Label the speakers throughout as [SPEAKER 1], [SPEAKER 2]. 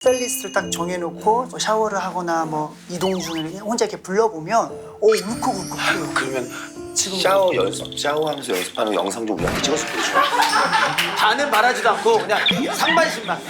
[SPEAKER 1] 플레이리스트를 딱 정해놓고 뭐 샤워를 하거나 뭐 이동 중에 혼자 이렇게 불러보면 울컥울컥해요.
[SPEAKER 2] 그러면
[SPEAKER 1] 지금
[SPEAKER 2] 샤워하면서 연습하는 영상 좀 우리한테 찍어서 보여줘.
[SPEAKER 3] 다는 말하지도 않고 그냥 상반신만.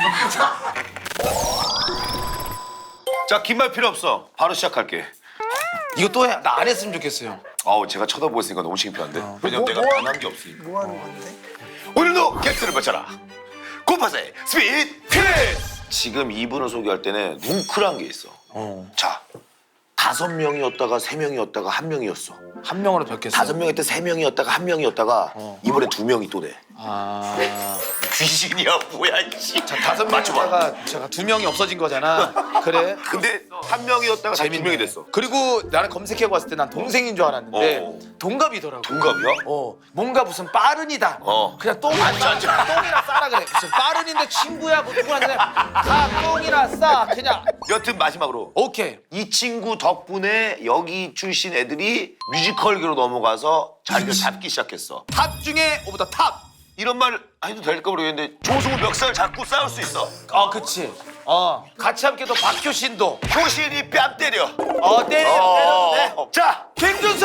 [SPEAKER 2] 자, 긴 말 필요 없어. 바로 시작할게.
[SPEAKER 3] 이거 또 해. 나 안 했으면 좋겠어요.
[SPEAKER 2] 아우, 제가 쳐다보고 있으니까 너무 창피한데. 왜냐면 내가 변한 게 없으니까.
[SPEAKER 1] 뭐 하는 건데?
[SPEAKER 2] 오늘도 게스트를 맞춰라. 고파세 스피드 퀴즈. 지금 이분을 소개할 때는 뭉클한 게 있어. 자, 5명이었다가 3명이었다가 1명이었어.
[SPEAKER 3] 한 명으로 뵙겠어.
[SPEAKER 2] 5명이었다 3명이었다가 1명이었다가 이번에 2명이 또 돼.
[SPEAKER 3] 아.
[SPEAKER 2] 귀신이야 뭐야 이씨.
[SPEAKER 3] 자, 5명이다가 제가 2명이 없어진 거잖아. 그래.
[SPEAKER 2] 근데 1명이었다가 2명이 됐어.
[SPEAKER 3] 그리고 나는 검색해 봤을 때 난 동생인 줄 알았는데
[SPEAKER 2] 어.
[SPEAKER 3] 동갑이더라고.
[SPEAKER 2] 동갑이야?
[SPEAKER 3] 뭔가 무슨 빠른이다.
[SPEAKER 2] 어.
[SPEAKER 3] 그냥 똥이나 싸라 그래. 무슨 빠른인데 친구야 뭐 누구한테 다 똥이나 싸 그냥.
[SPEAKER 2] 여튼 마지막으로
[SPEAKER 3] 오케이.
[SPEAKER 2] 이 친구 덕분에 여기 출신 애들이 뮤지컬계로 넘어가서 자리를 잡기 시작했어.
[SPEAKER 3] 탑 중에 오브 더 탑.
[SPEAKER 2] 이런 말 해도 될까 모르겠는데 조승우 멱살 잡고 싸울 수 있어.
[SPEAKER 3] 그치. 같이 함께도 박효신도.
[SPEAKER 2] 효신이 뺨 때려.
[SPEAKER 3] 때려도 돼.
[SPEAKER 2] 자,
[SPEAKER 3] 김준석.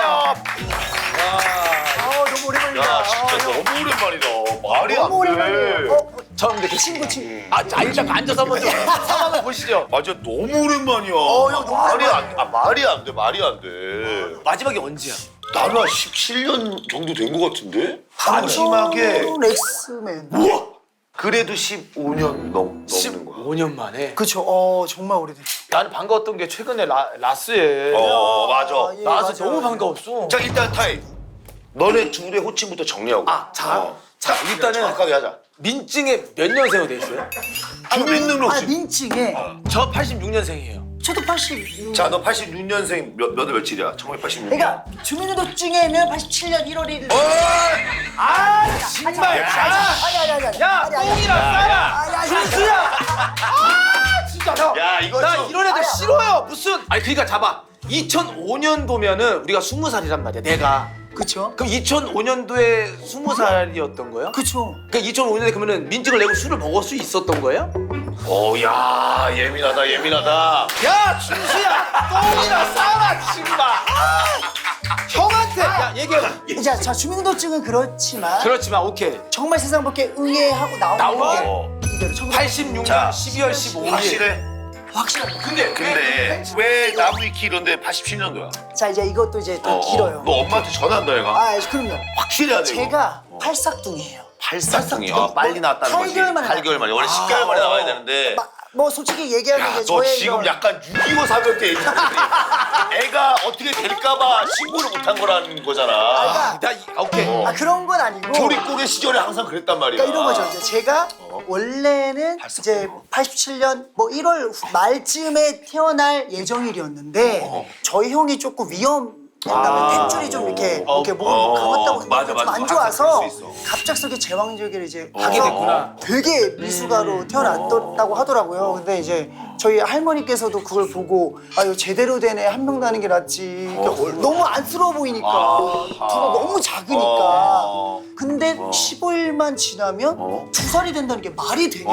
[SPEAKER 1] 너무 오랜만이다.
[SPEAKER 2] 야, 진짜 너무 오랜만이다. 말이 안
[SPEAKER 1] 너무 오랜만이에요.
[SPEAKER 2] 돼.
[SPEAKER 3] 처음 뵙겠
[SPEAKER 1] 친구.
[SPEAKER 3] 일단 앉아서 한번 좀 상황을 보시죠.
[SPEAKER 2] 맞아, 너무 오랜만이야.
[SPEAKER 1] 형, 너무
[SPEAKER 2] 말이 안 돼, 말이 안 돼.
[SPEAKER 3] 마지막이 언제야?
[SPEAKER 2] 나는 한 17년 정도 된 것 같은데? 마지막에
[SPEAKER 1] 엑스맨.
[SPEAKER 2] 우와! 그래도 15년 넘는 거야.
[SPEAKER 3] 5년 만에.
[SPEAKER 1] 그쵸. 정말 오래됐죠.
[SPEAKER 3] 나는 반가웠던 게 최근에 라스에
[SPEAKER 2] 맞아.
[SPEAKER 1] 예,
[SPEAKER 3] 나와서
[SPEAKER 1] 맞아요.
[SPEAKER 3] 너무 반가웠어.
[SPEAKER 2] 자, 일단 타임. 너네 둘의 호칭부터 정리하고.
[SPEAKER 3] 자, 일단은
[SPEAKER 2] 정확하게 하자.
[SPEAKER 3] 민증에 몇 년생으로 돼 있어요?
[SPEAKER 2] 주민등록증.
[SPEAKER 1] 민증에
[SPEAKER 3] 저 86년생이에요.
[SPEAKER 1] 저도 86.
[SPEAKER 2] 자, 너 86년생 몇월 며칠이야? 1986년.
[SPEAKER 1] 그러니까 주민등록증에는 87년 1월 1일.
[SPEAKER 3] 정말.
[SPEAKER 1] 아니.
[SPEAKER 3] 야, 똥이나 싸라. 준수야. 진짜 형.
[SPEAKER 2] 야, 이거
[SPEAKER 3] 나
[SPEAKER 2] 좀-
[SPEAKER 3] 이런 애들
[SPEAKER 1] 아니야.
[SPEAKER 3] 싫어요. 무슨? 그러니까 잡아. 2005년도면은 우리가 20살이란 말이야. 내가.
[SPEAKER 1] 그쵸?
[SPEAKER 3] 그럼 2005년도에 20살이었던 거예요?
[SPEAKER 1] 그쵸.
[SPEAKER 3] 그러니까 2005년에 그러면은 민증을 내고 술을 먹을 수 있었던 거예요?
[SPEAKER 2] 야, 예민하다.
[SPEAKER 3] 야, 준수야. 똥이나 싸라, 친구가. 형한테 야 얘기해봐.
[SPEAKER 1] 자, 주민등록증은 그렇지만
[SPEAKER 3] 그렇지만 오케이.
[SPEAKER 1] 정말 세상 밖에 응애하고 나온
[SPEAKER 3] 나온
[SPEAKER 1] 게
[SPEAKER 3] 게
[SPEAKER 1] 이대로
[SPEAKER 3] 86년
[SPEAKER 2] 자,
[SPEAKER 3] 12월 15일.
[SPEAKER 2] 확실해?
[SPEAKER 1] 확실하다.
[SPEAKER 2] 근데 왜 나무위키 이런데 87년도야?
[SPEAKER 1] 자, 이제 이것도 이제 더 길어요.
[SPEAKER 2] 너 엄마한테 전화한다 얘가.
[SPEAKER 1] 그럼요.
[SPEAKER 2] 확실해야 돼.
[SPEAKER 1] 제가 팔싹둥이에요.
[SPEAKER 2] 팔싹둥이. 빨리 나왔다는 거지.
[SPEAKER 1] 8개월 만에
[SPEAKER 2] 8개월 만에. 원래 10개월 만에 나와야 되는데.
[SPEAKER 1] 뭐 솔직히 얘기하면
[SPEAKER 2] 야,
[SPEAKER 1] 이제
[SPEAKER 2] 너
[SPEAKER 1] 저의
[SPEAKER 2] 지금
[SPEAKER 1] 이런-
[SPEAKER 2] 약간 6.25 사변 때 애가 어떻게 될까봐 신고를 못한 거라는 거잖아.
[SPEAKER 3] 오케이.
[SPEAKER 1] 그런 건 아니고
[SPEAKER 2] 조립국의 시절에 항상 그랬단 말이야.
[SPEAKER 1] 그러니까 이런 거죠. 이제 제가 원래는 이제 87년 뭐 1월 말쯤에 태어날 예정일이었는데 저희 형이 조금 위험했다면 탯줄이 좀 이렇게 뭐 감았다고
[SPEAKER 2] 맞아,
[SPEAKER 1] 좀 안
[SPEAKER 2] 맞아.
[SPEAKER 1] 좋아서
[SPEAKER 2] 그럴 수 있어.
[SPEAKER 1] 갑작스럽게 제왕절개를 이제
[SPEAKER 3] 하게 됐구나.
[SPEAKER 1] 되게 미숙아로 태어났다고 하더라고요. 근데 이제 저희 할머니께서도 그걸 보고 이거 제대로 된 애 한 명 나는 게 낫지. 그러니까 너무 안쓰러워 보이니까 부가 너무 작으니까. 근데 15일만 지나면 2살이 된다는 게 말이 되냐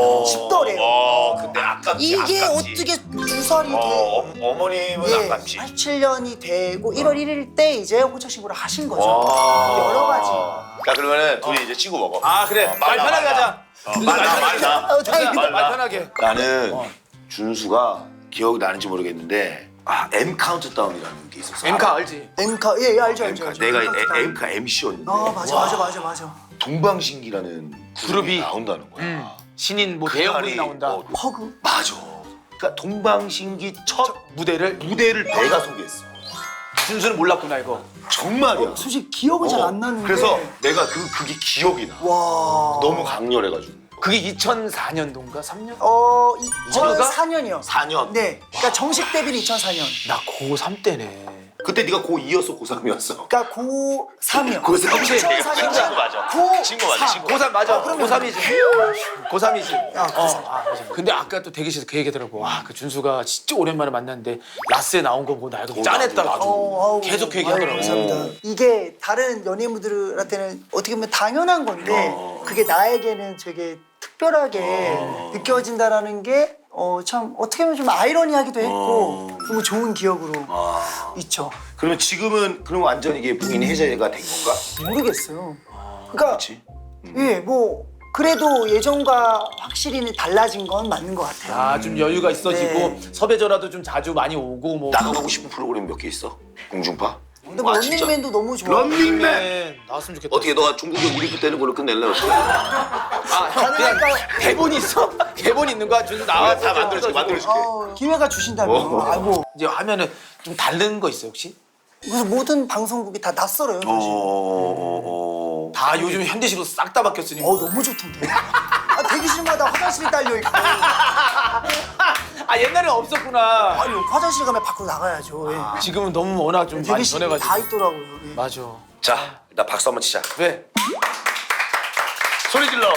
[SPEAKER 1] 싶더래요.
[SPEAKER 2] 근데 아깝지.
[SPEAKER 1] 이게
[SPEAKER 2] 아깝지.
[SPEAKER 1] 어떻게 2살이 돼?
[SPEAKER 2] 어머님은
[SPEAKER 1] 예,
[SPEAKER 2] 아깝지.
[SPEAKER 1] 87년이 되고 1월 1일 때 이제 호적 신고를 하신 거죠. 여러 가지.
[SPEAKER 2] 자, 그러면은 둘이 이제 친구 먹어.
[SPEAKER 3] 그래. 말 편하게 하자.
[SPEAKER 2] 말나.
[SPEAKER 1] 다행이다.
[SPEAKER 3] 말 편하게.
[SPEAKER 2] 나는 준수가 기억이 나는지 모르겠는데 M 카운트다운이라는 게 있었어.
[SPEAKER 3] 엠카 알지?
[SPEAKER 1] 엠카 예 알죠.
[SPEAKER 2] 내가 M카 MC였는데
[SPEAKER 1] 맞아.
[SPEAKER 2] 동방신기라는 그룹이 나온다는 거야.
[SPEAKER 3] 신인 뭐
[SPEAKER 2] 그날이,
[SPEAKER 3] 대형분이 나온다.
[SPEAKER 1] 허그.
[SPEAKER 2] 맞아. 그러니까 동방신기 첫
[SPEAKER 3] 무대를
[SPEAKER 2] 무대를 내가 소개했어.
[SPEAKER 3] 준수는 몰랐구나 이거.
[SPEAKER 2] 정말이야.
[SPEAKER 1] 솔직히 기억은 잘 안 나는데.
[SPEAKER 2] 그래서 내가 그게 기억이 나.
[SPEAKER 1] 와.
[SPEAKER 2] 너무 강렬해가지고.
[SPEAKER 3] 그게 2004년도인가 3년?
[SPEAKER 1] 2004년이요.
[SPEAKER 2] 4년.
[SPEAKER 1] 네. 그러니까 정식 데뷔는 2004년.
[SPEAKER 3] 나 고3 때네.
[SPEAKER 2] 그때 네가 고2였어, 고3이었어?
[SPEAKER 1] 그러니까 고3이요.
[SPEAKER 2] 고3 이
[SPEAKER 1] 2004년.
[SPEAKER 2] 그 친구 맞아.
[SPEAKER 1] 고3.
[SPEAKER 2] 친구 맞아, 친구.
[SPEAKER 3] 고3 맞아.
[SPEAKER 1] 그러면-
[SPEAKER 3] 고3이지. 고3이지.
[SPEAKER 1] 고3.
[SPEAKER 3] 맞아. 근데 아까 또 대기실에서 그 얘기하더라고. 와, 그 준수가 진짜 오랜만에 만났는데 라스에 나온 거 보고 나 이거 짠했다고.
[SPEAKER 2] 나도.
[SPEAKER 3] 계속 그 얘기하더라고.
[SPEAKER 1] 감사합니다. 이게 다른 연예인분들한테는 어떻게 보면 당연한 건데 그게 나에게는 되게 특별하게 느껴진다라는 게 참 어떻게 보면 좀 아이러니하기도 했고 너무 좋은 기억으로 있죠.
[SPEAKER 2] 그러면 지금은 그럼 완전 이게 부인 해제가 된 건가?
[SPEAKER 1] 모르겠어요. 그러니까
[SPEAKER 2] 그렇지.
[SPEAKER 1] 예, 뭐 그래도 예전과 확실히 달라진 건 맞는 것 같아요.
[SPEAKER 3] 아, 좀 여유가 있어지고
[SPEAKER 1] 네.
[SPEAKER 3] 섭외 전화도 좀 자주 많이 오고 뭐.
[SPEAKER 2] 나가고 싶은 프로그램 몇 개 있어? 공중파?
[SPEAKER 1] 근데 뭐
[SPEAKER 2] 아, 진짜?
[SPEAKER 1] 런닝맨도 너무 좋아.
[SPEAKER 2] 런닝맨!
[SPEAKER 3] 네, 나왔으면 좋겠다.
[SPEAKER 2] 어떻게 너가 중국에 우리 때는 걸로 끝낼래? 어떻게?
[SPEAKER 3] 아, 형 그냥 대본 있어? 대본 있는 거야? 준 나와
[SPEAKER 2] 다 만들어줄게.
[SPEAKER 1] 기회가 주신다면 아이고
[SPEAKER 3] 이제 하면은 좀 다른 거 있어요 혹시?
[SPEAKER 1] 그래서 모든 방송국이 다 낯설어요 사실.
[SPEAKER 3] 다 요즘 현대식으로 싹 다 바뀌었으니.
[SPEAKER 1] 너무 좋던데. 대기실마다 화장실이 딸려 있고.
[SPEAKER 3] 아 옛날엔 없었구나.
[SPEAKER 1] 아니 화장실 가면 밖으로 나가야죠. 예.
[SPEAKER 3] 지금은 너무 워낙 좀 많이
[SPEAKER 1] 대기실이
[SPEAKER 3] 변해가지고.
[SPEAKER 1] 다 있더라고요. 예.
[SPEAKER 3] 맞아.
[SPEAKER 2] 자, 일단 박수 한번 치자.
[SPEAKER 3] 왜?
[SPEAKER 2] 소리 질러.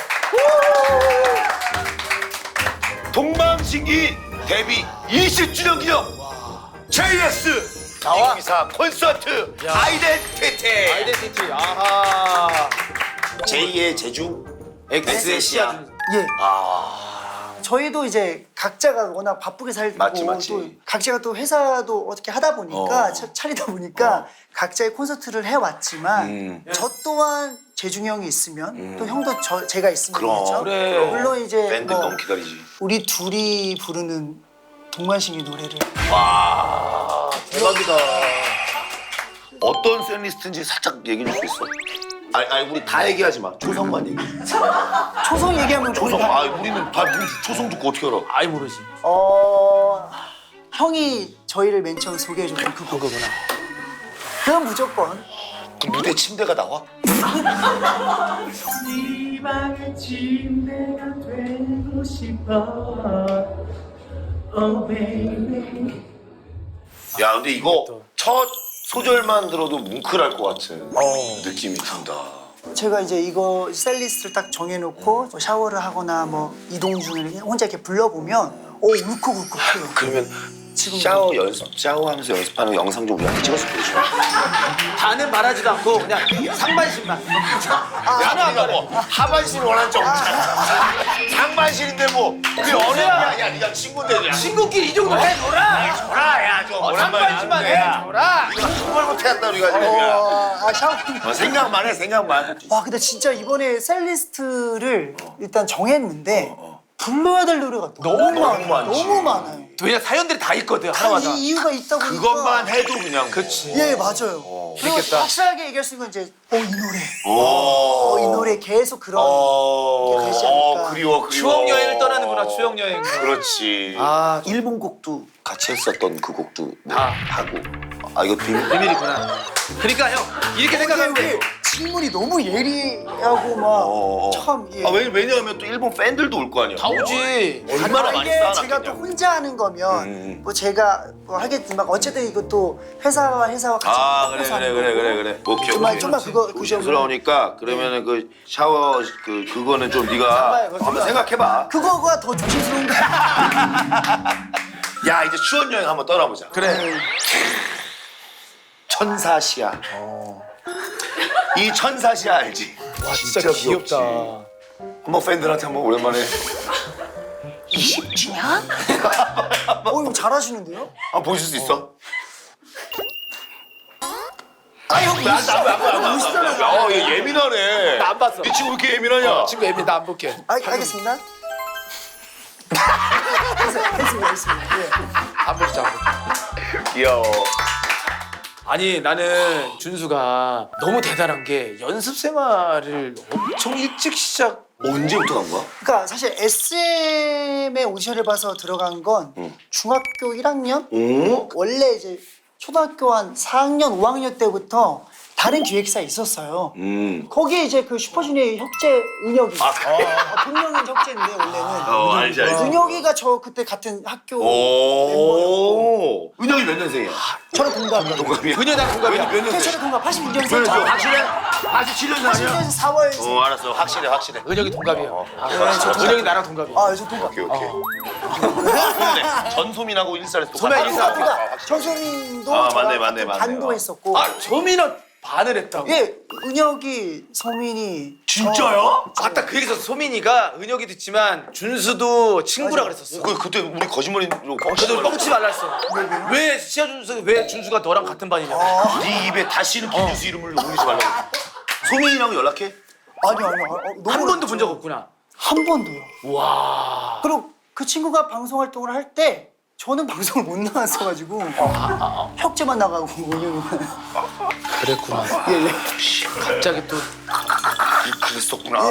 [SPEAKER 2] 동방신기 데뷔 20주년 기념 JS
[SPEAKER 3] 나와.
[SPEAKER 2] 2024 콘서트
[SPEAKER 3] 야.
[SPEAKER 2] 아이덴티티.
[SPEAKER 3] 아이덴티티. 아하.
[SPEAKER 2] 제2의 제주
[SPEAKER 3] 엑스의 씨앗.
[SPEAKER 1] 예. 저희도 이제 각자가 워낙 바쁘게 살고
[SPEAKER 2] 맞지.
[SPEAKER 1] 또 각자가 또 회사도 어떻게 하다 보니까 차리다 보니까 각자의 콘서트를 해왔지만 저 또한 재중이 형이 있으면 또 형도 제가 있으면
[SPEAKER 2] 그럼.
[SPEAKER 1] 그렇죠?
[SPEAKER 3] 그래.
[SPEAKER 1] 물론 이제
[SPEAKER 2] 팬들
[SPEAKER 1] 뭐
[SPEAKER 2] 너무 기다리지.
[SPEAKER 1] 우리 둘이 부르는 동만신기 노래를
[SPEAKER 3] 대박이다.
[SPEAKER 2] 어떤 팬리스트인지 살짝 얘기해 줄 수 있어? 아니 우리 다 얘기하지 마. 초성만 얘기.
[SPEAKER 1] 초성 얘기하면
[SPEAKER 2] 초성.
[SPEAKER 1] 거의 다-
[SPEAKER 2] 우리는 다 우리 초성 듣고 어떻게 알아?
[SPEAKER 3] 아이 모르지.
[SPEAKER 1] 형이 저희를 맨 처음 소개해줬던 그 곡.
[SPEAKER 3] 그거구나.
[SPEAKER 1] 그건 무조건
[SPEAKER 2] 그 무대 침대가 나와?
[SPEAKER 4] 네 방의 침대가 되고 싶어 Oh baby
[SPEAKER 2] 야 근데 이거 첫 소절만 들어도 뭉클할 것 같은 느낌이 든다.
[SPEAKER 1] 제가 이제 이거 셀리스트를 딱 정해놓고 뭐 샤워를 하거나 뭐 이동 중에 혼자 이렇게 불러보면 울컥울컥해요.
[SPEAKER 2] 그러면
[SPEAKER 1] 지금
[SPEAKER 2] 샤워하면서 연습하는 영상 좀 우리한테 찍어서 보여줘.
[SPEAKER 3] 다는 말하지도 않고 그냥 상반신만.
[SPEAKER 2] 야, 네가 뭐 하반신 원하는 적 없잖아. 상반신인데 뭐 그게 어려야. 야, 네가 친구인데. 야.
[SPEAKER 3] 친구끼리 이 정도 해줘라.
[SPEAKER 2] 줘라, 야, 좀
[SPEAKER 3] 상반신만 해줘라.
[SPEAKER 2] 정말 못해왔다 우리가 지금.
[SPEAKER 1] 샤워.
[SPEAKER 2] 생각만 해, 생각만.
[SPEAKER 1] 와 근데 진짜 이번에 셀리스트를 일단 정했는데 불러야 될 노래가 너무
[SPEAKER 2] 많지.
[SPEAKER 1] 많아요.
[SPEAKER 3] 왜냐 사연들이 다 있거든
[SPEAKER 1] 다
[SPEAKER 3] 하나마다.
[SPEAKER 1] 이 이유가 있다 보니까
[SPEAKER 2] 그것만 해도 그냥.
[SPEAKER 3] 그치.
[SPEAKER 1] 예 맞아요. 그리고
[SPEAKER 3] 재밌겠다.
[SPEAKER 1] 확실하게 얘기할 수 있는 건 이제 이 노래 이
[SPEAKER 2] 오.
[SPEAKER 1] 노래 계속 그런 게 되지 않을까.
[SPEAKER 2] 그리워.
[SPEAKER 3] 추억 여행을 떠나는구나 추억 여행.
[SPEAKER 2] 그렇지.
[SPEAKER 3] 아
[SPEAKER 2] 일본 곡도 같이 했었던 그 곡도 뭐
[SPEAKER 3] 아.
[SPEAKER 2] 하고. 이거 비밀.
[SPEAKER 3] 비밀이구나. 그러니까 형 이렇게 생각하면 돼.
[SPEAKER 1] 질문이 너무 예리하고 막 참 예.
[SPEAKER 2] 왜냐하면 또 일본 팬들도 올 거 아니야.
[SPEAKER 3] 다 오지.
[SPEAKER 2] 얼마나 많이
[SPEAKER 1] 이게
[SPEAKER 2] 쌓아놨겠냐.
[SPEAKER 1] 제가 또 혼자 하는 거면 뭐 제가 뭐 하겠지만 어쨌든 이것도 회사와 같이 해서 하는 거고.
[SPEAKER 2] 오케이.
[SPEAKER 1] 좀만 그거
[SPEAKER 2] 조심스러우니까 그러면은 그 샤워 그거는 좀 네가 한번 생각해봐.
[SPEAKER 1] 그거가 더 조심스러운 거
[SPEAKER 2] 야 이제 추원 여행 한번 떠나보자.
[SPEAKER 3] 그래.
[SPEAKER 2] 천사시야. 이 천사시야 알지?
[SPEAKER 3] 와 진짜 귀엽다.
[SPEAKER 2] 한번 팬들한테 한번 오랜만에
[SPEAKER 1] 20주년? 이거 잘하시는데요?
[SPEAKER 2] 한번 보실 수 있어?
[SPEAKER 1] 형
[SPEAKER 2] 야, 얘 예민하네.
[SPEAKER 3] 나 안 봤어.
[SPEAKER 2] 네 친구 왜 이렇게 예민하냐?
[SPEAKER 3] 친구 애미 나안 볼게.
[SPEAKER 1] 알겠습니다. 됐습니다. 예.
[SPEAKER 3] 안 볼게 안 볼게.
[SPEAKER 2] 귀여워.
[SPEAKER 3] 아니 나는 준수가 너무 대단한 게 연습 생활을 엄청 일찍 시작.
[SPEAKER 2] 언제부터 간 거야?
[SPEAKER 1] 그러니까 사실 SM의 오디션을 봐서 들어간 건 중학교 1학년?
[SPEAKER 2] 오?
[SPEAKER 1] 원래 이제 초등학교 한 4학년, 5학년 때부터 다른 기획사에 있었어요. 거기에 이제 그 슈퍼주니어의 혁재 은혁이. 본명은 혁재인데 원래는.
[SPEAKER 2] 알지.
[SPEAKER 1] 은혁이가 저 그때 같은 학교
[SPEAKER 2] 오. 은혁이 몇 년생이야?
[SPEAKER 1] 저랑 동갑이에요.
[SPEAKER 2] 동갑이야.
[SPEAKER 3] 그녀랑 동갑이야.
[SPEAKER 2] 몇 년생?
[SPEAKER 1] 저랑 동갑 82년생.
[SPEAKER 2] 확실해? 87년생 아니야?
[SPEAKER 1] 82년생 4월.
[SPEAKER 2] 알았어. 확실해.
[SPEAKER 3] 은혁이 동갑이야. 은혁이 나랑 동갑이야.
[SPEAKER 1] 저 동갑.
[SPEAKER 2] 오케이. 그러네. 전소민하고 일살에서
[SPEAKER 3] 소민이 일살.
[SPEAKER 1] 그러니까 전소민도
[SPEAKER 2] 아,
[SPEAKER 1] 저랑
[SPEAKER 2] 맞네.
[SPEAKER 1] 반도 했었고.
[SPEAKER 3] 아 조민은 반을 했다고.
[SPEAKER 1] 예, 은혁이, 소민이.
[SPEAKER 2] 진짜요?
[SPEAKER 3] 아까 그 얘기에서 소민이가 은혁이 듣지만 준수도 친구라
[SPEAKER 1] 맞아.
[SPEAKER 3] 그랬었어.
[SPEAKER 2] 그때 우리 거짓말로
[SPEAKER 3] 저도 뻥치지 말라 했어. 왜 시아준수 왜 준수가 너랑 같은 반이냐고.
[SPEAKER 2] 네 입에 다시는 김준수 이름을 올리지 말라고. 소민이랑 연락해?
[SPEAKER 1] 아니, 너무
[SPEAKER 3] 한 번도
[SPEAKER 1] 어렵죠.
[SPEAKER 3] 본 적 없구나.
[SPEAKER 1] 한 번도요.
[SPEAKER 3] 와.
[SPEAKER 1] 그리고 그 친구가 방송 활동을 할 때 저는 방송을 못 나왔어가지고 혁재만 나가고 은혁이만.
[SPEAKER 3] 그랬구나.
[SPEAKER 1] 예, 예.
[SPEAKER 3] 갑자기 또
[SPEAKER 2] 그랬었구나.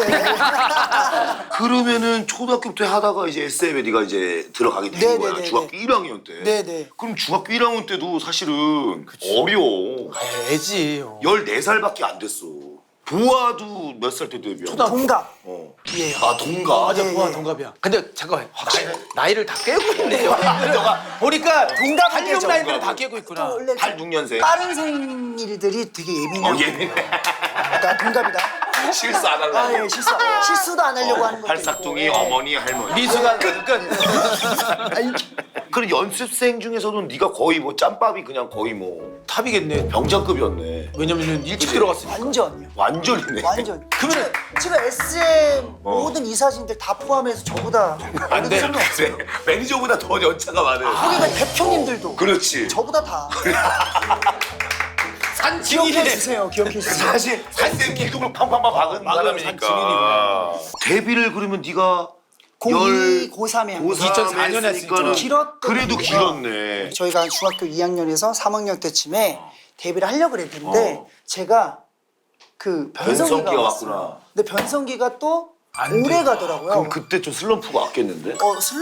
[SPEAKER 2] 그러면은 초등학교부터 하다가 이제 SM에 네가 이제 들어가게 된
[SPEAKER 1] 네,
[SPEAKER 2] 거야.
[SPEAKER 1] 네, 네,
[SPEAKER 2] 중학교
[SPEAKER 1] 네.
[SPEAKER 2] 1학년 때.
[SPEAKER 1] 네네.
[SPEAKER 2] 그럼 중학교 1학년 때도 사실은 어려워.
[SPEAKER 3] 애지.
[SPEAKER 2] 14살밖에 안 됐어. 보아도 몇 살 때 데뷔야?
[SPEAKER 1] 동갑.
[SPEAKER 2] 어.
[SPEAKER 1] 예.
[SPEAKER 2] 아 동갑.
[SPEAKER 3] 맞아,
[SPEAKER 1] 예,
[SPEAKER 3] 보아
[SPEAKER 1] 예.
[SPEAKER 3] 동갑이야. 근데 잠깐만, 나이를 다 깨고 있네. 너가 보니까
[SPEAKER 1] 동갑은
[SPEAKER 3] 86
[SPEAKER 1] 깨죠.
[SPEAKER 3] 나이들을 다 깨고 있구나.
[SPEAKER 1] 또 원래
[SPEAKER 2] 86년생.
[SPEAKER 1] 빠른 생일들이 되게 예민해요.
[SPEAKER 2] 예민해.
[SPEAKER 1] 나 동갑이다.
[SPEAKER 2] 실수 안 하려고.
[SPEAKER 1] 아, 예, 실수도 안 하려고 하는 것도
[SPEAKER 2] 팔싹둥이
[SPEAKER 1] 있고. 예.
[SPEAKER 2] 어머니 할머니.
[SPEAKER 3] 미수가 끝.
[SPEAKER 2] 그럼 연습생 중에서는 네가 거의 뭐 짬밥이 그냥 거의 뭐
[SPEAKER 3] 탑이겠네.
[SPEAKER 2] 병장급이었네.
[SPEAKER 3] 왜냐면 일찍 들어갔으니까.
[SPEAKER 1] 완전요.
[SPEAKER 2] 완전이네.
[SPEAKER 1] 완전.
[SPEAKER 3] 그러면
[SPEAKER 1] 지금 SM 모든 이사진들 다 포함해서 저보다
[SPEAKER 2] 안 돼.
[SPEAKER 1] 어느 없어요.
[SPEAKER 2] 매니저보다 더 연차가 많은.
[SPEAKER 1] 거기가 대표님들도
[SPEAKER 2] 그렇지.
[SPEAKER 1] 저보다 다. 기억해
[SPEAKER 3] 산증인이네.
[SPEAKER 1] 주세요. 기억해 주세요.
[SPEAKER 2] 사실 SM 기둥을 팡팡팡 박은 사람이니까.
[SPEAKER 3] 산증인이구나.
[SPEAKER 2] 데뷔를 그러면 네가
[SPEAKER 1] 고2, 고3에 한 거예요.
[SPEAKER 3] 2004 년에 했으니까
[SPEAKER 1] 좀 길었던
[SPEAKER 2] 그래도
[SPEAKER 1] 이유가
[SPEAKER 2] 길었네.
[SPEAKER 1] 저희가 중학교 2학년에서 3학년 때쯤에 데뷔를 하려고 그랬는데
[SPEAKER 2] 어.
[SPEAKER 1] 제가 그
[SPEAKER 2] 변성기가
[SPEAKER 1] 변성기가
[SPEAKER 2] 왔구나.
[SPEAKER 1] 왔어요. 근데 변성기가 또
[SPEAKER 3] 안
[SPEAKER 1] 오래
[SPEAKER 3] 돼.
[SPEAKER 1] 가더라고요.
[SPEAKER 2] 그럼 그때 좀 슬럼프가 왔겠는데?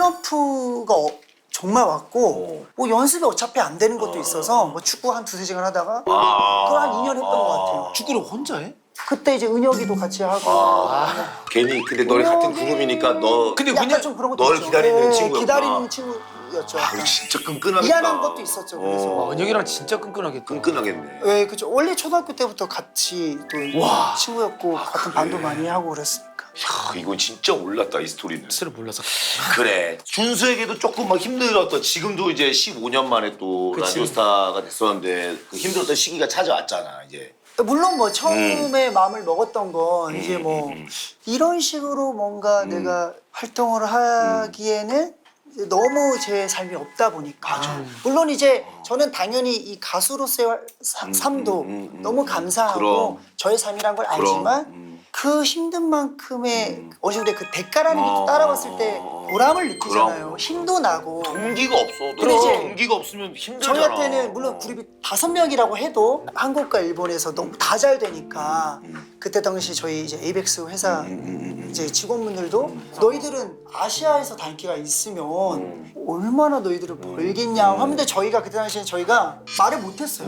[SPEAKER 1] 슬럼프가 정말 왔고 뭐 연습이 어차피 안 되는 것도 있어서 뭐 축구 한 두세 시간 하다가 그걸 한 2년 했던 것 같아요.
[SPEAKER 3] 축구를 혼자 해?
[SPEAKER 1] 그때 이제 은혁이도 같이 하고
[SPEAKER 2] 괜히 근데 너네 같은 그룹이니까 너
[SPEAKER 3] 근데
[SPEAKER 1] 약간
[SPEAKER 3] 그냥
[SPEAKER 1] 좀 그런 것도
[SPEAKER 2] 널
[SPEAKER 1] 있죠.
[SPEAKER 2] 기다리는
[SPEAKER 1] 예,
[SPEAKER 2] 친구였구나.
[SPEAKER 1] 기다리는 친구였죠.
[SPEAKER 2] 아, 진짜 끈끈하겠다.
[SPEAKER 1] 미안한 것도 있었죠. 그래서
[SPEAKER 3] 와, 은혁이랑 진짜 끈끈하겠다.
[SPEAKER 2] 끈끈하겠네.
[SPEAKER 1] 예, 그죠. 원래 초등학교 때부터 같이 또 친구였고 같은 반도 많이 하고 그랬으니까.
[SPEAKER 2] 야, 이건 진짜 올랐다 이 스토리는.
[SPEAKER 3] 스를 몰라서.
[SPEAKER 2] 그래. 준수에게도 조금 막 힘들었던 지금도 이제 15년 만에 또
[SPEAKER 3] 그치.
[SPEAKER 2] 라디오스타가 됐었는데 그 힘들었던 시기가 찾아왔잖아 이제.
[SPEAKER 1] 물론 뭐 처음에 마음을 먹었던 건 이제 뭐 이런 식으로 뭔가 내가 활동을 하기에는 이제 너무 제 삶이 없다 보니까 물론 이제 저는 당연히 이 가수로서의 삶도 너무 감사하고
[SPEAKER 2] 그럼.
[SPEAKER 1] 저의 삶이란 걸
[SPEAKER 2] 그럼.
[SPEAKER 1] 알지만 그 힘든 만큼의 어느 정도 그 대가라는 게 또 따라왔을 때 보람을 느끼잖아요.
[SPEAKER 2] 그럼.
[SPEAKER 1] 힘도 나고
[SPEAKER 2] 동기가 없어.
[SPEAKER 1] 근데 이제
[SPEAKER 2] 동기가 없으면 힘들잖아.
[SPEAKER 1] 저희한테는 물론 그룹이 5명이라고 해도 한국과 일본에서 너무 다 잘 되니까 그때 당시 저희 이제 에이벡스 회사 이제 직원분들도 너희들은 아시아에서 다 인기가 있으면 얼마나 너희들을 벌겠냐 하는데 저희가 그때 당시에 저희가 말을 못했어요.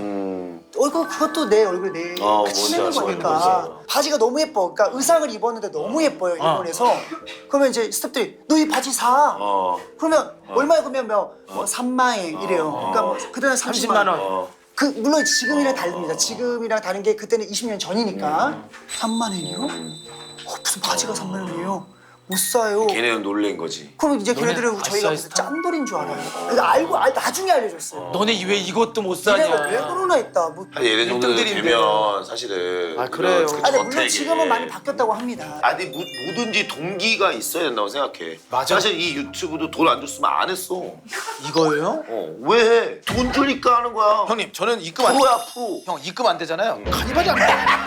[SPEAKER 1] 그것도 내 얼굴 내
[SPEAKER 2] 뭔지
[SPEAKER 1] 치는
[SPEAKER 2] 알죠,
[SPEAKER 1] 거니까
[SPEAKER 2] 뭔지
[SPEAKER 1] 바지가 너무 예뻐. 그러니까 의상을 입었는데 너무 예뻐요 일본에서. 그러면 이제 스태프들이 너 이 바지 사. 그러면 얼마에 그러면 뭐 3만 원 이래요. 그러니까 뭐 그때는 30만 원. 그 물론 지금이랑 다릅니다. 지금이랑 다른 게 그때는 20년 전이니까 3만 원이요? 무슨 바지가 3만 원이에요? 못 사요.
[SPEAKER 2] 걔네는 놀란 거지.
[SPEAKER 1] 그럼 이제 걔네들은 저희가 무슨 짠돌인 줄 알아요. 그러니까 나중에 알려줬어요.
[SPEAKER 3] 너네 왜 이것도 못
[SPEAKER 1] 니네가 왜
[SPEAKER 3] 사냐?
[SPEAKER 1] 그러나 했다. 뭐.
[SPEAKER 2] 한 얘네 정도
[SPEAKER 3] 일등들인데.
[SPEAKER 2] 되면 사실은
[SPEAKER 3] 아, 그래요.
[SPEAKER 2] 이런 그
[SPEAKER 1] 근데 물론
[SPEAKER 2] 저택에.
[SPEAKER 1] 지금은 많이 바뀌었다고 합니다.
[SPEAKER 2] 아니 뭐든지 동기가 있어야 된다고 생각해.
[SPEAKER 3] 맞아.
[SPEAKER 2] 사실 이 유튜브도 돈 안 줬으면 안 했어.
[SPEAKER 3] 이거예요?
[SPEAKER 2] 왜 해? 돈 주니까 하는 거야.
[SPEAKER 3] 형님, 저는 입금 안
[SPEAKER 2] 프로야 프로.
[SPEAKER 3] 형 입금 안 되잖아요. 간이발이 안 돼.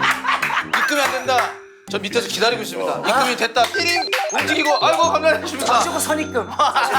[SPEAKER 3] 입금이 안 된다. 저 밑에서 기다리고 있습니다. 입금이 됐다. 삐링 움직이고 아이고 감사합니다.
[SPEAKER 1] 무조건 선입금.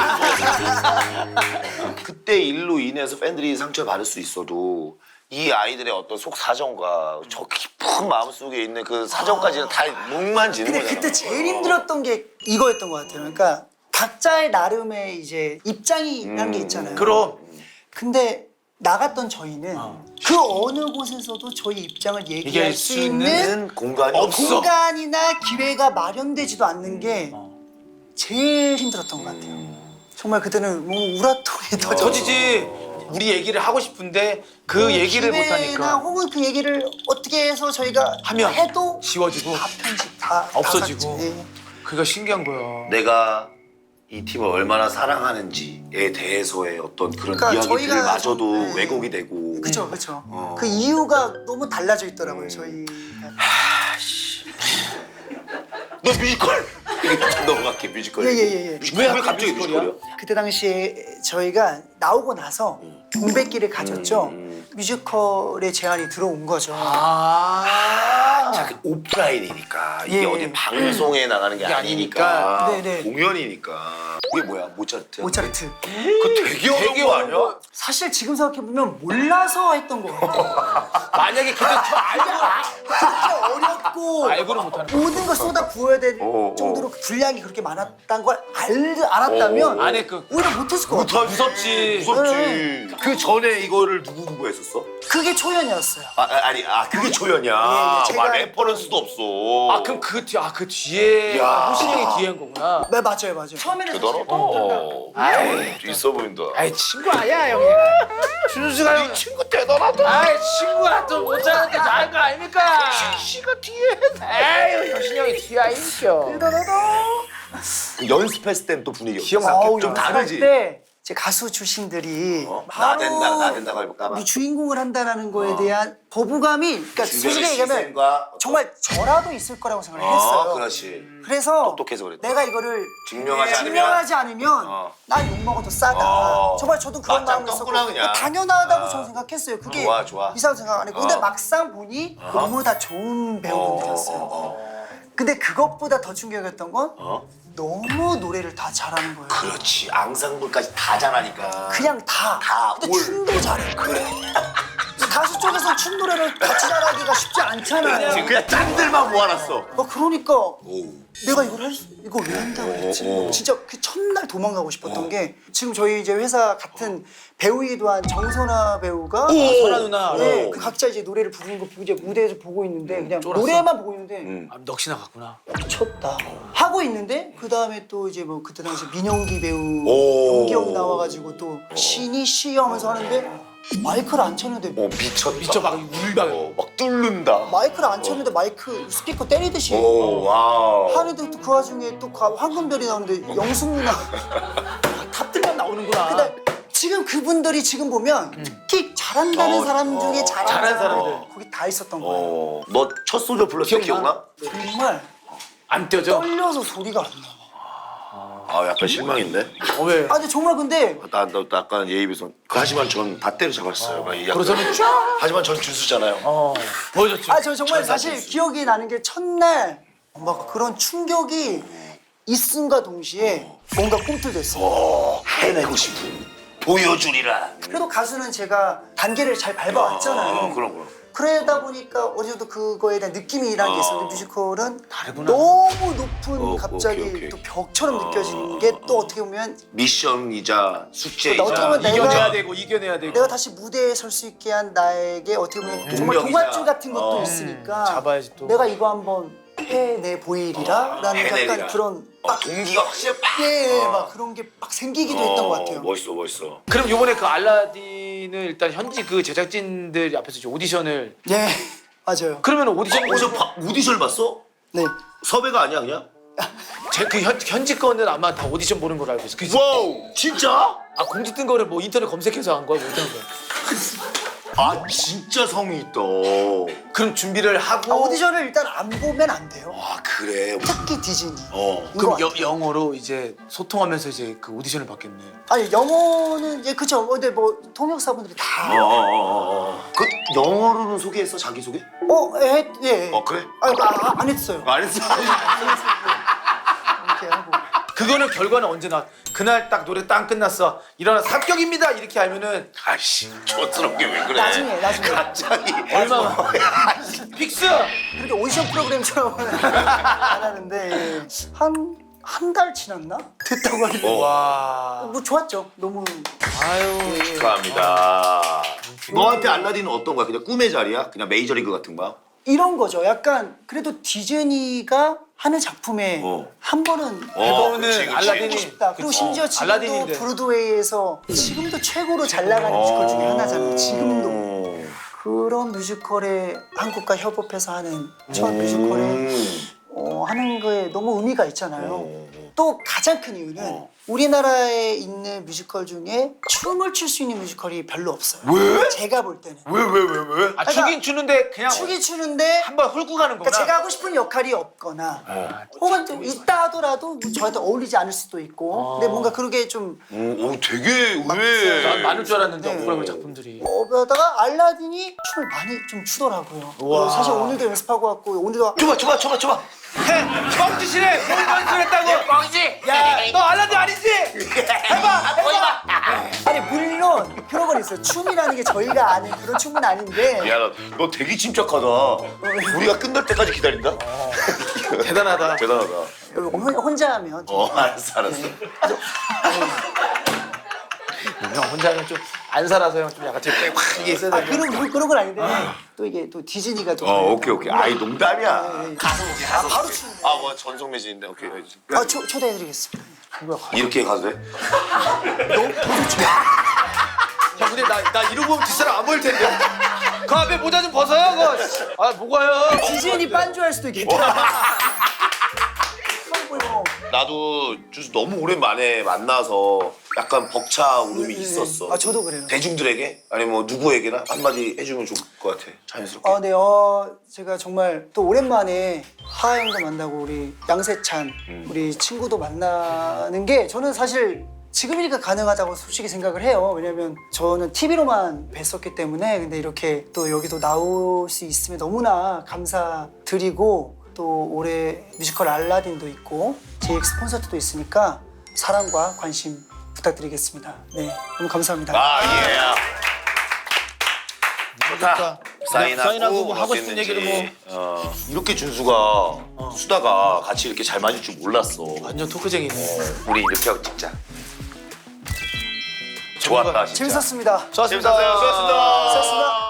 [SPEAKER 2] 그때 일로 인해서 팬들이 상처를 받을 수 있어도 이 아이들의 어떤 속 사정과 저 깊은 마음속에 있는 그 사정까지는 다 목만 지는
[SPEAKER 1] 근데
[SPEAKER 2] 거잖아.
[SPEAKER 1] 그때 제일 힘들었던 게 이거였던 것 같아요. 그러니까 각자의 나름의 이제 입장이라는 게 있잖아요.
[SPEAKER 3] 그럼
[SPEAKER 1] 근데 나갔던 저희는 그 어느 곳에서도 저희 입장을 얘기할 수 있는
[SPEAKER 2] 공간이
[SPEAKER 3] 없어.
[SPEAKER 1] 공간이나 기회가 마련되지도 않는 게 제일 힘들었던 것 같아요. 정말 그때는 뭐 우라통이 터져.
[SPEAKER 3] 터지지. 우리 얘기를 하고 싶은데 그 얘기를 못
[SPEAKER 1] 기회나
[SPEAKER 3] 하니까
[SPEAKER 1] 혹은 그 얘기를 어떻게 해서 저희가
[SPEAKER 3] 하면
[SPEAKER 1] 해도
[SPEAKER 3] 지워지고
[SPEAKER 1] 다 편집 다
[SPEAKER 3] 없어지고.
[SPEAKER 1] 다 삭제. 예.
[SPEAKER 3] 그게 신기한 거야.
[SPEAKER 2] 내가 이 팀을 얼마나 사랑하는지에 대해서의 어떤 그런
[SPEAKER 1] 그러니까
[SPEAKER 2] 이야기들을
[SPEAKER 1] 저희가
[SPEAKER 2] 마저도
[SPEAKER 1] 좀, 네.
[SPEAKER 2] 왜곡이 되고
[SPEAKER 1] 그쵸 그쵸. 그 이유가 너무 달라져 있더라고요 저희가.
[SPEAKER 2] 너 뮤지컬 넘어갈게 뮤지컬.
[SPEAKER 1] 예.
[SPEAKER 2] 뮤지컬 왜 갑자기 뮤지컬이야?
[SPEAKER 1] 그때 당시에 저희가 나오고 나서 공백기를 가졌죠. 뮤지컬의 제안이 들어온 거죠.
[SPEAKER 2] 자, 그 오프라인이니까 이게
[SPEAKER 1] 예.
[SPEAKER 2] 어디 방송에 나가는 게 아니니까
[SPEAKER 1] 네네.
[SPEAKER 2] 공연이니까. 이게 뭐야 모차르트?
[SPEAKER 1] 모차르트.
[SPEAKER 2] 그 되게 어려운 거 아니야?
[SPEAKER 1] 사실 지금 생각해보면 몰라서 했던 거 같아요.
[SPEAKER 3] 만약에 그때
[SPEAKER 1] 진짜 어렵고
[SPEAKER 3] 알고는 못하는 거.
[SPEAKER 1] 모든 걸 쏟아 부어야 될 정도로 그 분량이 그렇게 많았다는 걸 알았다면
[SPEAKER 3] 안에 그
[SPEAKER 1] 오히려 못했을 것 같아요.
[SPEAKER 3] 무섭지.
[SPEAKER 2] 무섭지. 그 전에 이거를 누구 했었어?
[SPEAKER 1] 그게 초연이었어요.
[SPEAKER 2] 그게 조연이야.
[SPEAKER 1] 예, 제가
[SPEAKER 2] 와, 레퍼런스도 없어.
[SPEAKER 3] 아 그럼 그 뒤에
[SPEAKER 2] 야.
[SPEAKER 3] 호신이 형이 뒤에 한 거구나.
[SPEAKER 1] 네 맞아요. 처음에는
[SPEAKER 2] 대단하다.
[SPEAKER 3] 아이,
[SPEAKER 2] 있어 보인다.
[SPEAKER 3] 아이 친구 아니야 형이. 준수가 형.
[SPEAKER 2] 친구 대단하다.
[SPEAKER 3] 아이 친구가 또 못하는데 잘한 거 아닙니까?
[SPEAKER 2] 씨가 뒤에.
[SPEAKER 3] 에이 효신이 형이 뒤에 아니죠.
[SPEAKER 2] 연습했을 땐 또 분위기
[SPEAKER 1] 어우,
[SPEAKER 2] 좀 다르지.
[SPEAKER 1] 때 제 가수 출신들이
[SPEAKER 2] 나 된다고 해볼까 봐.
[SPEAKER 1] 이 주인공을 한다라는 거에 대한 거부감이 그러니까 솔직히 얘기하면
[SPEAKER 2] 시선과
[SPEAKER 1] 정말 저라도 있을 거라고 생각을 했어요.
[SPEAKER 2] 그렇지.
[SPEAKER 1] 그래서
[SPEAKER 2] 똑똑해서 그랬다.
[SPEAKER 1] 내가 이거를
[SPEAKER 2] 증명하지
[SPEAKER 1] 않으면 난 욕먹어도 싸다. 정말 저도 그런
[SPEAKER 2] 맞짱
[SPEAKER 1] 마음을
[SPEAKER 2] 떴구나,
[SPEAKER 1] 했었고
[SPEAKER 2] 그냥.
[SPEAKER 1] 당연하다고 저는 생각했어요. 그게
[SPEAKER 2] 좋아.
[SPEAKER 1] 이상하게 생각 안 했고 근데 막상 보니 너무 다 좋은 배우분들이었어요. 근데 그것보다 더 충격이었던 건 너무 노래를 다 잘하는 거예요.
[SPEAKER 2] 그렇지. 앙상블까지 다 잘하니까.
[SPEAKER 1] 그냥 다. 근데
[SPEAKER 2] 올.
[SPEAKER 1] 춤도 잘해.
[SPEAKER 2] 그래.
[SPEAKER 1] 가수 쪽에서 춤 노래를 같이 잘하기가 쉽지 않잖아요.
[SPEAKER 2] 그냥 짠들만 모아놨어.
[SPEAKER 1] 그러니까
[SPEAKER 2] 오.
[SPEAKER 1] 내가 이걸 왜 한다고 했지? 진짜 그 첫날 도망가고 싶었던 게 지금 저희 이제 회사 같은 배우이기도 한 정선아 배우가
[SPEAKER 3] 선아 누나.
[SPEAKER 1] 네, 그 각자 이제 노래를 부르는 거 이제 무대에서 보고 있는데 그냥
[SPEAKER 3] 쫄았어.
[SPEAKER 1] 노래만 보고 있는데
[SPEAKER 3] 아, 넋이 나갔구나.
[SPEAKER 1] 미쳤다 하고 있는데 그 다음에 또 이제 뭐 그때 당시 민영기 배우
[SPEAKER 2] 오.
[SPEAKER 1] 연기형 나와가지고 또 신이 씨 하면서 하는데 마이크를 안 쳤는데
[SPEAKER 2] 미쳤다.
[SPEAKER 3] 미쳐 막 울다.
[SPEAKER 2] 막 뚫는다.
[SPEAKER 1] 마이크를 안 쳤는데 마이크 스피커 때리듯이
[SPEAKER 2] 오, 와우.
[SPEAKER 1] 하는데 또 그 와중에 또 황금별이 나오는데 영숙 누나
[SPEAKER 3] 탑들만 나오는구나.
[SPEAKER 1] 근데 지금 그분들이 지금 보면 특히 잘한다는 사람 중에 잘하는
[SPEAKER 3] 사람들.
[SPEAKER 1] 거기 다 있었던 거예요.
[SPEAKER 2] 너 첫 소절 불렀을 때 기억나?
[SPEAKER 1] 정말
[SPEAKER 3] 안 떼어져?
[SPEAKER 1] 떨려서 소리가 안 나.
[SPEAKER 2] 약간 실망인데?
[SPEAKER 3] 왜?
[SPEAKER 1] 아 근데 정말 근데
[SPEAKER 2] 나 약간 예의 비선. 하지만 전 다 때려잡았어요. 막 이 약간.
[SPEAKER 3] 그러서는 쫙.
[SPEAKER 2] 하지만 전 준수잖아요.
[SPEAKER 3] 보여줬죠.
[SPEAKER 1] 아 저 정말 사실 기억이 나는 게 첫날 막 그런 충격이 있음과 동시에 뭔가 꿈틀댔어.
[SPEAKER 2] 해내고 싶은. 보여주리라.
[SPEAKER 1] 그래도 가수는 제가 단계를 잘 밟아왔잖아요.
[SPEAKER 2] 그럼.
[SPEAKER 1] 그러다 보니까 어느 정도 그거에 대한 느낌이라는 게 있었는데 뮤지컬은
[SPEAKER 3] 다르구나.
[SPEAKER 1] 너무 높은 갑자기
[SPEAKER 2] 오케이.
[SPEAKER 1] 또 벽처럼 느껴지는 게 또 어떻게 보면
[SPEAKER 2] 미션이자 숙제이자.
[SPEAKER 1] 어떻게 보면
[SPEAKER 3] 이겨내야 되고 이겨내야 되고.
[SPEAKER 1] 내가 다시 무대에 설 수 있게 한 나에게 어떻게 보면 정말
[SPEAKER 2] 동력이자.
[SPEAKER 1] 동화줄 같은 것도 있으니까
[SPEAKER 3] 잡아야지 또.
[SPEAKER 1] 내가 이거 한번 해내 보이리라 라는
[SPEAKER 2] 해내리라.
[SPEAKER 1] 약간 그런
[SPEAKER 2] 동기가 확실히 빡.
[SPEAKER 1] 막 그런 게 막 생기기도 했던 것 같아요.
[SPEAKER 2] 멋있어.
[SPEAKER 3] 그럼 요번에 그 알라딘을 일단 현지 그 제작진들 앞에서 이제 오디션을.
[SPEAKER 1] 네 맞아요.
[SPEAKER 3] 그러면 오디션
[SPEAKER 2] 오디션을 봤어?
[SPEAKER 1] 네.
[SPEAKER 2] 섭외가 아니야 그냥?
[SPEAKER 3] 그 현지 거는 아마 다 오디션 보는 걸로 알고 있어. 그치?
[SPEAKER 2] 와우 진짜?
[SPEAKER 3] 아 공지 뜬 거를 뭐 인터넷 검색해서 한 거야? 뭐 어떤 거야?
[SPEAKER 2] 진짜 성의 있다.
[SPEAKER 3] 그럼 준비를 하고.
[SPEAKER 1] 오디션을 일단 안 보면 안 돼요.
[SPEAKER 2] 그래.
[SPEAKER 1] 특히 디즈니.
[SPEAKER 3] 그럼
[SPEAKER 1] 이거
[SPEAKER 3] 영어로 이제 소통하면서 이제 그 오디션을 받겠네.
[SPEAKER 1] 아니 영어는 그쵸. 근데 뭐 통역사분들이 다.
[SPEAKER 2] 그 영어로는 소개했어 자기 소개?
[SPEAKER 1] 예.
[SPEAKER 2] 그래?
[SPEAKER 1] 안 했어요.
[SPEAKER 2] 안 했어.
[SPEAKER 1] 이렇게 하고.
[SPEAKER 3] 그거는 결과는 언제 나? 그날 딱 노래 딱 끝났어. 일어나 합격입니다 이렇게 하면은
[SPEAKER 2] 아이씨 촌스럽게 왜 그래?
[SPEAKER 1] 나중에.
[SPEAKER 2] 갑자기
[SPEAKER 3] 얼마나 픽스.
[SPEAKER 1] 그렇게 오디션 프로그램처럼 안 하는데 한 달 지났나? 됐다고 하길래
[SPEAKER 3] 와.
[SPEAKER 1] 뭐 좋았죠. 너무
[SPEAKER 3] 아유.
[SPEAKER 2] 축하합니다. 너한테 알라딘은 어떤 거야? 그냥 꿈의 자리야? 그냥 메이저리그 같은 거야?
[SPEAKER 1] 이런 거죠. 약간 그래도 디즈니가 하는 작품에 한 번은
[SPEAKER 3] 이거는
[SPEAKER 2] 그치.
[SPEAKER 3] 알라딘이
[SPEAKER 1] 하고 싶다. 그리고 심지어 지금도
[SPEAKER 3] 알라딘인데.
[SPEAKER 1] 브로드웨이에서 지금도 최고로 잘 나가는 뮤지컬 중에 하나잖아요. 지금도 그런 뮤지컬에 한국과 협업해서 하는 첫 뮤지컬에 하는 거에 너무 의미가 있잖아요. 또 가장 큰 이유는 우리나라에 있는 뮤지컬 중에 춤을 출 수 있는 뮤지컬이 별로 없어요.
[SPEAKER 2] 왜?
[SPEAKER 1] 제가 볼 때는.
[SPEAKER 2] 왜?
[SPEAKER 3] 아 추긴 추는데 그냥
[SPEAKER 1] 추기 추는데
[SPEAKER 3] 한번 훑고 가는 거구나.
[SPEAKER 1] 그러니까 제가 하고 싶은 역할이 없거나 혹은 좀 있다 하더라도 뭐 저한테 어울리지 않을 수도 있고 근데 뭔가 그렇게 좀
[SPEAKER 2] 오, 되게 의외.
[SPEAKER 3] 난 많을 줄 알았는데
[SPEAKER 1] 네.
[SPEAKER 3] 억울한 작품들이.
[SPEAKER 1] 그러다가 알라딘이 춤을 많이 좀 추더라고요. 사실 오늘도 연습하고 왔고 오늘도
[SPEAKER 2] 줘봐.
[SPEAKER 3] 뻥짓이래. 뭘 연습했다고? 뻥짓. 야, 너 알라딘 아니지? 해봐.
[SPEAKER 1] 아니 물론 그런 건 있어요. 춤이라는 게 저희가 아는 그런 춤은 아닌데
[SPEAKER 2] 미안하다. 너 되게 침착하다. 우리가 끝날 때까지 기다린다?
[SPEAKER 3] 대단하다.
[SPEAKER 2] 대단하다.
[SPEAKER 1] 혼자 하면
[SPEAKER 2] 알았어.
[SPEAKER 3] 형 혼자 하면 좀 안 살아서 형 좀 약간 제확 이게 있어야 돼.
[SPEAKER 1] 그런 건 아닌데 또 이게 또 디즈니가 또
[SPEAKER 2] 오케이. 아이, 농담이야.
[SPEAKER 1] 바로 추는
[SPEAKER 2] 뭐 전속 매진인데, 오케이.
[SPEAKER 1] 초대해드리겠습니다.
[SPEAKER 2] 이렇게 가도 돼?
[SPEAKER 3] 형 근데 나 이러고 보면 뒷사람 안 보일 텐데. 그 앞에 모자 좀 벗어요. 그거. 아 뭐가요?
[SPEAKER 1] 디즈니 반주할 수도 있겠다.
[SPEAKER 2] 나도 주스 너무 오랜만에 만나서 약간 벅차 울음이 있었어.
[SPEAKER 1] 아 저도 그래요.
[SPEAKER 2] 대중들에게? 아니면 뭐 누구에게나 한마디 해주면 좋을 것 같아. 자연스럽게.
[SPEAKER 1] 네, 제가 정말 또 오랜만에 하하 형도 만나고 우리 양세찬 우리 친구도 만나는 게 저는 사실 지금이니까 가능하다고 솔직히 생각을 해요. 왜냐면 저는 TV로만 뵀었기 때문에 근데 이렇게 또 여기도 나올 수 있으면 너무나 감사드리고 또 올해 뮤지컬 알라딘도 있고 JX 콘서트도 있으니까 사랑과 관심 부탁드리겠습니다. 네, 너무 감사합니다.
[SPEAKER 2] 예. 자, 사인하고
[SPEAKER 3] 뭐 하고 싶은 얘기를
[SPEAKER 2] 이렇게 준수가 수다가 같이 이렇게 잘 맞을 줄 몰랐어.
[SPEAKER 3] 완전 토크쟁이네.
[SPEAKER 2] 우리 이렇게 하고 찍자. 좋았다 진짜.
[SPEAKER 1] 재밌었습니다.
[SPEAKER 3] 수고하셨습니다.
[SPEAKER 2] 재밌었어요. 수고하셨습니다.
[SPEAKER 1] 수고하셨습니다.